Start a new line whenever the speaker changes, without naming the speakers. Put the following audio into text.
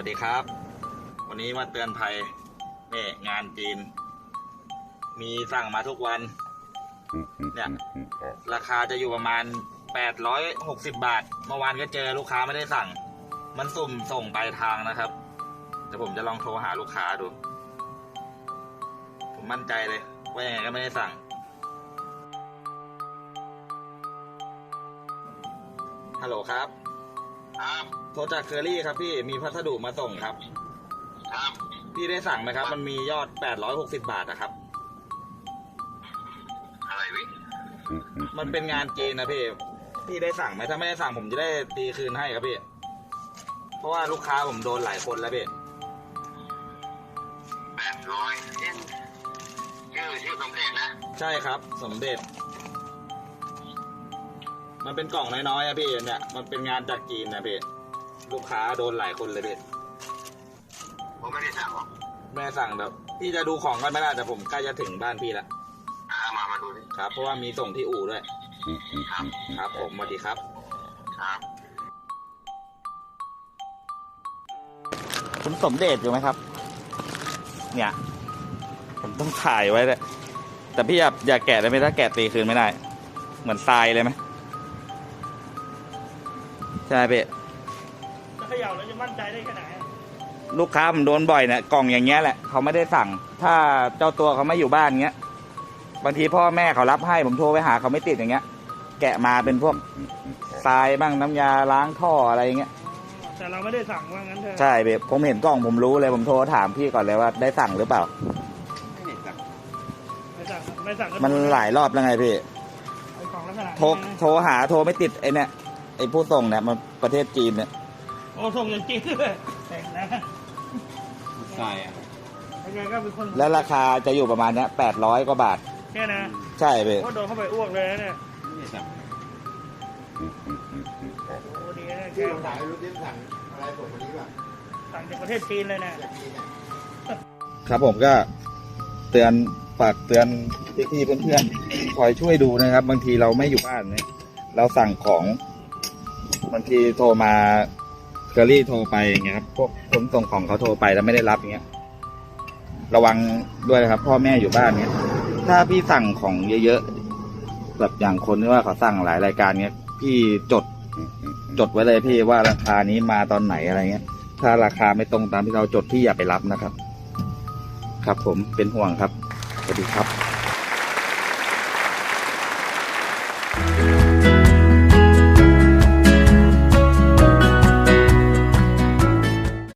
สดีครับวันนี้มาเตือนภัยนี่งานจีนมีสั่งมาทุกวันเนี่ยราคาจะอยู่ประมาณ860 บาทเมื่อวานก็เจอลูกค้าไม่ได้สั่งมันสุ่มส่งปลายทางนะครับเดี๋ยวผมจะลองโทรหาลูกค้าดูผมมั่นใจเลยว่ายังไงก็ไม่ได้สั่งฮัลโหลครับโทรจากเคอรี่ครับพี่มีพัสดุมาส่งครับพี่ได้สั่งไหมครับมันมียอด860 บาทนะครับ
อะไรวิ
มันเป็นงานจีนนะพี่ได้สั่งไหมถ้าไม่ได้สั่งผมจะได้ตีคืนให้ครับพี่เพราะว่าลูกค้าผมโดนหลายคนแล้วพี่
800ชื่อสมเด็จนะ
ใช่ครับสมเด็จมันเป็นกล่องน้อยๆอะพี่เนี่ยมันเป็นงานจากจีนนะพี่ลูกค้าโดนหลายคนเลยพี่
ผมไม่ได้สั่งหรอก
แม่สั่งแบบพี่จะดูของกันไม่ได้แต่ผมใกล้จะถึงบ้านพี่แล้ว
มาดูดิ
ครับเพราะว่ามีส่งที่อู่ด้วยครับผมสวัสดีครับคุณสมเด็จอยู่ไหมครับเนี่ยผมต้องถ่ายไว้เลยแต่พี่อย่าแกะได้ไหมถ้าแกะตีคืนไม่ได้เหมือนทรายเลยไหมใช่พี่
จะเขย่าแล้วจะมั่นใจได้แค่ไหน
ลูกค้าผมโดนบ่อยเนี่ยกล่องอย่างเงี้ยแหละเขาไม่ได้สั่งถ้าเจ้าตัวเขาไม่อยู่บ้านเงี้ยบางทีพ่อแม่เขารับให้ผมโทรไปหาเขาไม่ติดอย่างเงี้ยแกะมาเป็นพวกทรายบ้างน้ำยาล้างท่ออะไรอย่างเงี้ย
แต่เราไม่ได้สั่งว่างั้นเถอะ
ใช่พี่ผมเห็นกล่องผมรู้เลยผมโทรถามพี่ก่อนเลยว่าได้สั่งหรือเปล่า
ไม่สั่ง
มันหลายรอบแล้วไงพี่โทรหาโทรไม่ติดไอเนี่ยไอผู้ส่งเนี่ยมันประเทศจีนเนี่ย
โอ้ส่งอย่างจีนเลยแต่งนะ
ใช่อะ
ยังไงก็เป็นคน
แล้วราคาจะอยู่ประมาณเนี้ย800 กว่าบาท
แค่นะ
ใช่พี่
โดนเข้าไปอ้วกเลยเนี่ยโอ้ดีนะ
ที่ผมถามรู้ที่สั่งอะไรส่งวันนี้ป่ะ
สั่งจากประเทศจีนเลย
นะครับผมก็เตือนฝากเตือนพี่ๆเพื่อนๆคอยช่วยดูนะครับบางทีเราไม่อยู่บ้านเนี่ยเราสั่งของบางทีโทรมาเคอรี่โทรไปอย่างเงี้ยครับพวกคนส่งของเขาโทรไปแล้วไม่ได้รับอย่างเงี้ยระวังด้วยนะครับพ่อแม่อยู่บ้านเนี้ยถ้าพี่สั่งของเยอะๆแบบอย่างคนที่ว่าเขาสั่งหลายรายการเนี้ยพี่จดไว้เลยพี่ว่าราคานี้มาตอนไหนอะไรเงี้ยถ้าราคาไม่ตรงตามที่เราจดพี่อย่าไปรับนะครับครับผมเป็นห่วงครับสวัสดีครับ